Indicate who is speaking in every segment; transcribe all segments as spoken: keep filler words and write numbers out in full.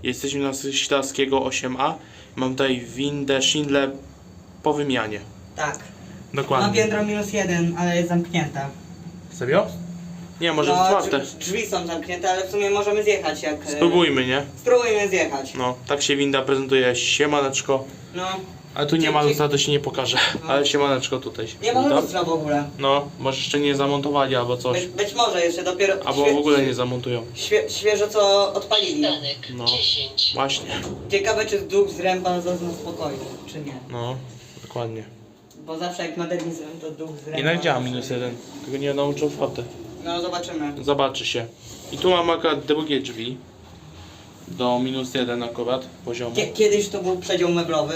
Speaker 1: Jesteśmy na Ślaskiego osiem A. Mam tutaj windę Schindler po wymianie.
Speaker 2: Tak. Ma
Speaker 1: Dokładnie.
Speaker 2: piętro minus jeden, ale jest zamknięta.
Speaker 1: Serio? Nie, może
Speaker 2: No,
Speaker 1: otwarte.
Speaker 2: drzwi, drzwi są zamknięte, ale w sumie możemy zjechać jak... e,
Speaker 1: Spróbujmy, nie?
Speaker 2: Spróbujmy zjechać.
Speaker 1: No, tak się winda prezentuje. Siemaneczko.
Speaker 2: No.
Speaker 1: Ale tu nie ma lustra, to się nie pokaże. Ale siemaneczko tutaj się
Speaker 2: Nie ma
Speaker 1: winda.
Speaker 2: lustra w ogóle.
Speaker 1: No, może jeszcze nie zamontowali albo coś.
Speaker 2: Być, być może jeszcze dopiero...
Speaker 1: Albo w ogóle nie zamontują.
Speaker 2: świe, świeżo co odpalili.
Speaker 1: No, właśnie.
Speaker 2: Ciekawe czy duch z ręba zazna spokojny, czy nie.
Speaker 1: No, dokładnie.
Speaker 2: Bo zawsze jak modernizują to duch z ręba...
Speaker 1: Jednak działa minus jeden. Tylko nie nauczył foty.
Speaker 2: No zobaczymy.
Speaker 1: Zobaczy się. I tu mam akurat drugie drzwi. Do minus jeden akurat poziomu.
Speaker 2: Kie- Kiedyś to był przedział meblowy.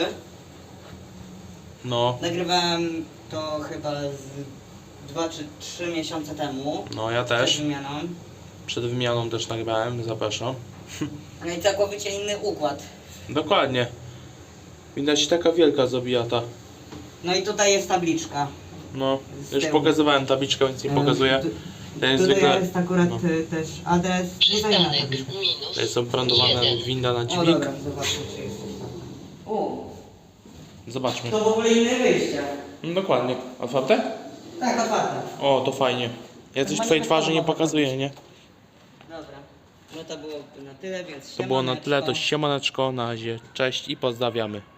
Speaker 1: No,
Speaker 2: Nagrywałem to chyba z dwa czy trzy miesiące temu.
Speaker 1: no ja
Speaker 2: Przed
Speaker 1: też.
Speaker 2: wymianą.
Speaker 1: Przed wymianą też nagrałem, zapraszam.
Speaker 2: No i całkowicie inny układ.
Speaker 1: Dokładnie. Widać taka wielka zabijata.
Speaker 2: No i tutaj jest tabliczka.
Speaker 1: No,
Speaker 2: Z
Speaker 1: już
Speaker 2: tyłu.
Speaker 1: pokazywałem tabliczkę, więc nie
Speaker 2: E,
Speaker 1: pokazuję.
Speaker 2: tu-
Speaker 1: To jest
Speaker 2: Tutaj
Speaker 1: zwykle,
Speaker 2: jest akurat
Speaker 1: no.
Speaker 2: e, też adres. Nie zajmę na tabliczkę.
Speaker 1: to jest oprętowana winda na
Speaker 2: O
Speaker 1: dźwig.
Speaker 2: dobra, zobaczmy czy jest coś tam. O,
Speaker 1: Zobaczmy.
Speaker 2: to w ogóle inne wyjście.
Speaker 1: No, dokładnie. Otwarte?
Speaker 2: Tak, otwarte.
Speaker 1: O, to fajnie. Ja coś twojej twarzy nie pokazuję, nie?
Speaker 2: Dobra. No to było na tyle, więc
Speaker 1: To było na tyle, to
Speaker 2: siemaneczko.
Speaker 1: siemaneczko, na razie, cześć i pozdrawiamy.